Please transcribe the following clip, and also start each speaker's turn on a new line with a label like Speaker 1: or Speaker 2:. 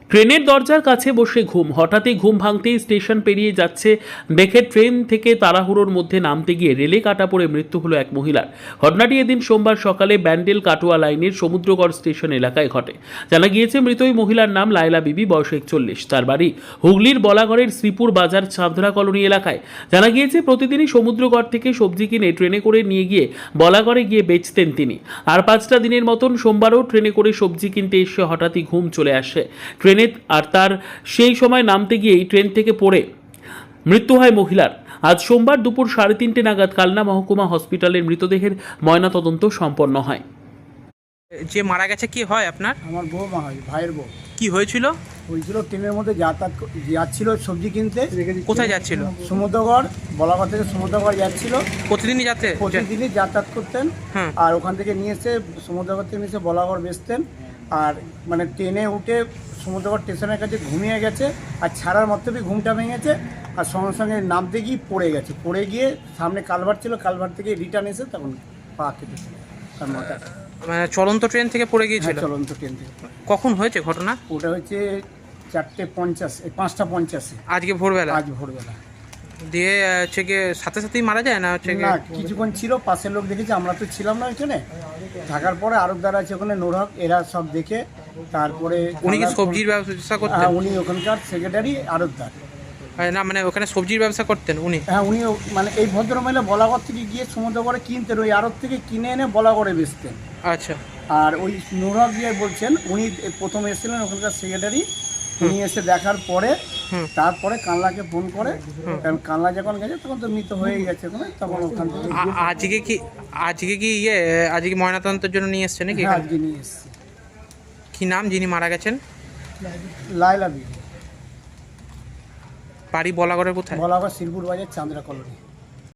Speaker 1: ট্রেনের দরজার কাছে বসে ঘুম, হঠাৎই ঘুম ভাঙতেই স্টেশন পেরিয়ে যাচ্ছে দেখে ট্রেন থেকে তাড়াহুড়োর মধ্যে নামতে গিয়ে রেলে কাটা পড়ে মৃত্যু হলো এক মহিলার। ঘটনাটি এদিন সোমবার সকালে ব্যান্ডেল কাটোয়া লাইনের সমুদ্রগড় স্টেশন এলাকায় ঘটে। জানা গিয়েছে মৃত ওই মহিলার নাম লায়লা বিবি, বয়স 41। তার বাড়ি হুগলির বলাগড়ের শ্রীপুর বাজার চাঁদরা কলোনি এলাকায়। জানা গিয়েছে প্রতিদিনই সমুদ্রগড় থেকে সবজি কিনে ট্রেনে করে নিয়ে গিয়ে বলাগড়ে গিয়ে বেচতেন তিনি। আর 5টা দিনের মতন সোমবারও ট্রেনে করে সবজি কিনতে এসে হঠাৎই ঘুম চলে আসে ট্রেনে, আর তার সেই সময় নামতে গিয়েই ট্রেন থেকে পড়ে মৃত্যু হয় মহিলার। আজ সোমবার দুপুর 3:30 নাগাদ কালনা মহকুমা হসপিটালের মৃতদেহের ময়নাতদন্ত সম্পন্ন হয়।
Speaker 2: যে মারা গেছে কি হয় আপনার?
Speaker 3: আমার বউ মা হয়, ভাইয়ের বউ।
Speaker 2: কি হয়েছিল?
Speaker 3: হয়েছিল ট্রেনের মধ্যে যাচ্ছিল সবজি কিনতে।
Speaker 2: কোথায় যাচ্ছিল?
Speaker 3: সমুদ্রগড়, বলাগড় থেকে সমুদ্রগড় যাচ্ছিল।
Speaker 2: প্রতিদিনই যাতে
Speaker 3: প্রতিদিনই যাতায়াত করতেন।
Speaker 2: হুম।
Speaker 3: আর ওখান থেকে নিয়ে এসে সমুদ্রগড় থেকে নিয়ে এসে বলাগড় বেচতেন। আর মানে ট্রেনে উঠে সমুদ্রগড় স্টেশনের কাছে ঘুমিয়ে গেছে, আর ছাড়ার মধ্যেই ঘুমটা ভেঙেছে। আর সঙ্গে সঙ্গে নামতে গিয়ে পড়ে গেছে। পড়ে গিয়ে সামনে কালভার্ট ছিল, কালভার্ট থেকে রিটার্ন এসে তখন পা কেটেছিল তার মাথাটা।
Speaker 2: মানে চলন্ত ট্রেন থেকে পড়ে গিয়েছিল?
Speaker 3: চলন্ত ট্রেন থেকে।
Speaker 2: কখন হয়েছে ঘটনা?
Speaker 3: ওটা হচ্ছে 4:50, 5:50
Speaker 2: আজকে ভোরবেলা?
Speaker 3: আজ ভোরবেলা।
Speaker 2: দিয়ে হচ্ছে গিয়ে সাথে সাথেই মারা যায় না হচ্ছে
Speaker 3: না, কিছুক্ষণ ছিল, পাশের লোক দেখেছে, আমরা তো ছিলাম না ওইখানে। থাকার পরে আরবদার আছে ওখানে, নোরহক, এরা সব দেখে তারপরে।
Speaker 2: উনি কি সবজির ব্যবসা করতেন?
Speaker 3: হ্যাঁ, উনি ওখানকার সেক্রেটারি আরবদার।
Speaker 2: না মানে ওখানে সবজির ব্যবসা করতেন উনি?
Speaker 3: হ্যাঁ, উনি মানে এই ভদ্রমহিলা বলাগড় থেকে গিয়ে সমুদ্রগড়ে কিনতেন, ওই আড়ত থেকে কিনে এনে বলাগড়ে বেচতেন।
Speaker 2: আচ্ছা।
Speaker 3: আর ওই নোরহক গিয়ে বলছেন, উনি প্রথম এসেছিলেন ওখানকার সেক্রেটারি। উনি এসে দেখার পরে তারপরে কানলাকে ফোন করে, কারণ কানলা যখন গেছে তখন তো মৃত হয়ে গেছে ওখানে, তখন ওখান থেকে
Speaker 2: আজকে কি ময়নাতদন্তের জন্য নিয়ে এসছে নাকি?
Speaker 3: হ্যাঁ, আজকে নিয়ে এসেছি।
Speaker 2: কি নাম যিনি মারা গেছেন?
Speaker 3: লায়লা বিবি,
Speaker 2: বাড়ি বলাগড়ের কোথায়?
Speaker 3: বলাগড় শ্রীপুর বাজার চাঁদরা কলোনি।